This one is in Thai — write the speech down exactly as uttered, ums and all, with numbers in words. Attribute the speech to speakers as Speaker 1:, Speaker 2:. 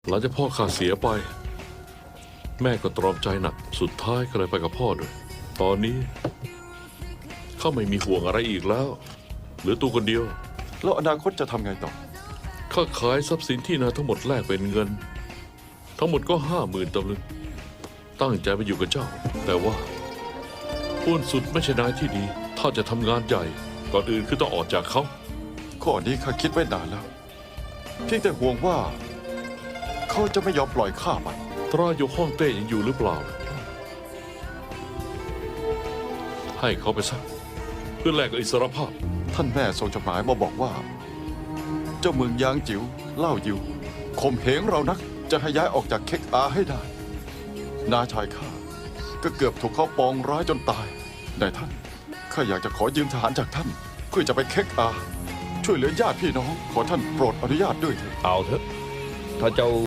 Speaker 1: หลังจากพ่อข้าเสียไปแม่ก็ตรอมใจหนักสุดท้ายก็เลยไปกับพ่อด้วยตอนนี้ข้าไม่มีห่วงอะไรอีกแล้วเหลือตัวคนเดียว
Speaker 2: แล้วอนาคตจะทำไงต่อ
Speaker 1: ข้าขายทรัพย์สินที่นาทั้งหมดแลกเป็นเงิน ทั้งหมดก็ห้าหมื่นตำลึงตั้งใจไปอยู่กับเจ้า แต่ว่าอ้วนสุดไม่ใช่นายที่ดี ถ้าจะทำงานใหญ่ก่อนอื่นคือต้องออกจากเขา
Speaker 2: ข้อนี้ข้าคิดไว้นานแล้วเพียงแต่ห่วงว่า เขาจะไม่ยอมปล่อยข้าไป
Speaker 1: ตราโยกฮ่องเต้ยังอยู่หรือเปล่า ให้เขาไปซะเพื่อแลกกับอิสรภาพ
Speaker 2: ท่านแม่ส่งจดหมายมาบอกว่า เจ้าเมืองยางจิ๋วเล่ายิวข่มเหงเรานักจะให้ย้ายออกจากเค็กอาให้ได้นาชายข้าก็เกือบถูกเขาปองร้ายจนตายนายท่านข้าอยากจะขอยืมทหารจากท่าน เพื่อจะไปเค็กอา ช่วยเหลือญาติพี่น้องขอท่านโปรดอนุญาตด้วยเถิด
Speaker 3: เอาเถอะถ้าเจ้า